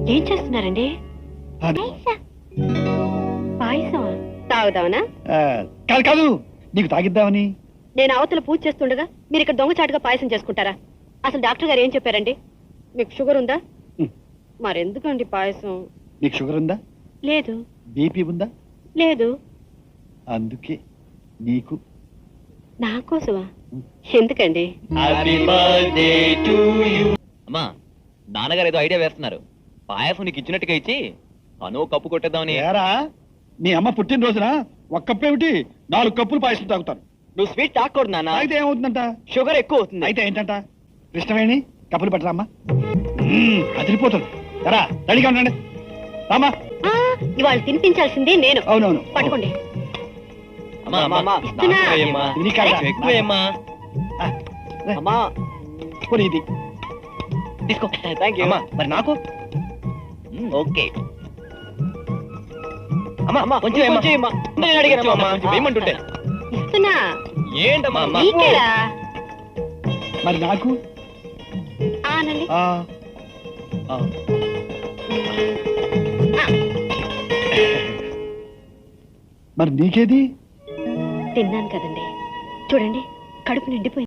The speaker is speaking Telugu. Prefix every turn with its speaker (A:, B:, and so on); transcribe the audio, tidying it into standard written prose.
A: ఏం చేస్తున్నారండి? పాయసం తాగుదావనా?
B: కాదు కాదు, నీకు తాగిద్దామని.
A: నేను అవతల పూజ చేస్తుండగా మీరు ఇక్కడ దొంగచాటుగా పాయసం చేసుకుంటారా? అసలు డాక్టర్ గారు ఏం చెప్పారండి? మీకు షుగర్ ఉందా? మరెందుకండి పాయసం?
B: నీకు షుగర్ ఉందా?
A: లేదు.
B: బీపీ ఉందా?
A: లేదు.
B: అందుకే నీకు.
A: నా కోసమా? ఎందుకండి?
C: అమ్మా, నాన్నగారు ఏదో ఐడియా వేస్తున్నారు. పాయసం నీకు ఇచ్చినట్టుగా ఇచ్చి తను కప్పు కొట్టేద్దామని.
B: ఏరా, నీ అమ్మ పుట్టినరోజున ఒక కప్పు ఏమిటి 4 కప్పులు పాయసం తాగుతాను.
C: నువ్వు స్వీట్ తాకూడదు నాన్న.
B: అయితే ఏమవుతుందంట?
C: షుగర్ ఎక్కువ అవుతుంది.
B: అయితే ఏంటంట? కృష్ణవేణి కప్పులు పట్టరామ్మా. అదిరిపోతుంది. ఎరా, రెడీగా ఉండండి. రామా.
A: ఇవాళ తినిపించాల్సింది నేను.
B: అవునవును,
A: పట్టుకోండి.
C: ఇది తీసుకో. Thank you. మరి నాకు ఓకే. అమ్మా కొంచెం నేను అడిగాను వేయమంటుంటే.
A: ఇస్తున్నా.
C: ఏంటమ్మా?
A: నీకేరా?
B: మరి నాకు.
A: ఆనండి.
B: మరి నీకేది?
A: తిన్నాను కదండి, చూడండి కడుపు నిండిపోయింది.